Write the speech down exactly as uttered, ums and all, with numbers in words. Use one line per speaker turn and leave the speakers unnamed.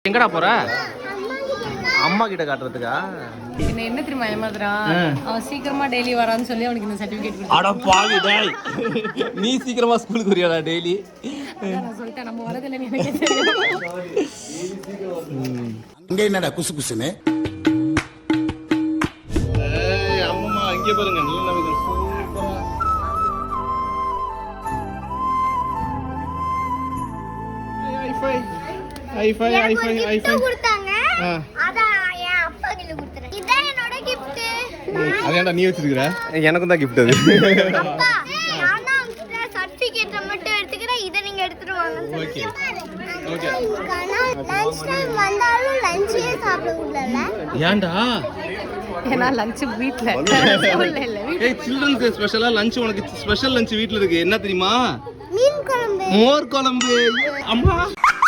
எங்கடா போற? அம்மா கிட்ட காட்டுறதுக்கா?
என்ன என்ன தெரியுமா ஏமாத்துறா? அவன் சீக்கிரமா டெய்லி வரான்னு சொல்லி அவனுக்கு இந்த சர்டிபிகேட் கொடுத்து.
அட பாவி டேய். நீ சீக்கிரமா ஸ்கூலுக்கு வரியாடா டெய்லி?
நான் சொல்லிட்டேன் நம்ம வரதில்லை எனக்கு தெரியும்.
அங்க என்னடா குசு குசுன்னு?
ஏய் அம்மா அங்க பாருங்க நல்ல நமக்கு சூப்பரா. ஐஃபை ஐஃபை ஐஃபை ஐஃபை
கொடுத்தாங்க. அத என் அப்பா கிட்ட கொடுத்தேன். இதான் என்னோட gift.
அதேடா நீ வச்சிருக்கற? எனக்கும் தான் gift அது.
அப்பா நான் தான் உங்க சர்டிபிகேட் மட்டும் எடுத்துக்கிறேன். இத நீங்க எடுத்துட்டு வாங்க.
ஓகே. ஓகே.
லஞ்ச் டைம் வந்தாலும் லஞ்சே சாப்பிட கூடாதுல.
ஏன்டா?
ஏன்னா லஞ்ச் வீட்ல ஸ்கூல்ல இல்ல.
ஏய் சில்ட்ரன்ஸ் ஸ்பெஷலா லஞ்ச் உனக்கு ஸ்பெஷல் லஞ்ச் வீட்ல இருக்கு. என்ன தெரியுமா?
மீன் குழம்பு.
மோர் குழம்பு. அம்மா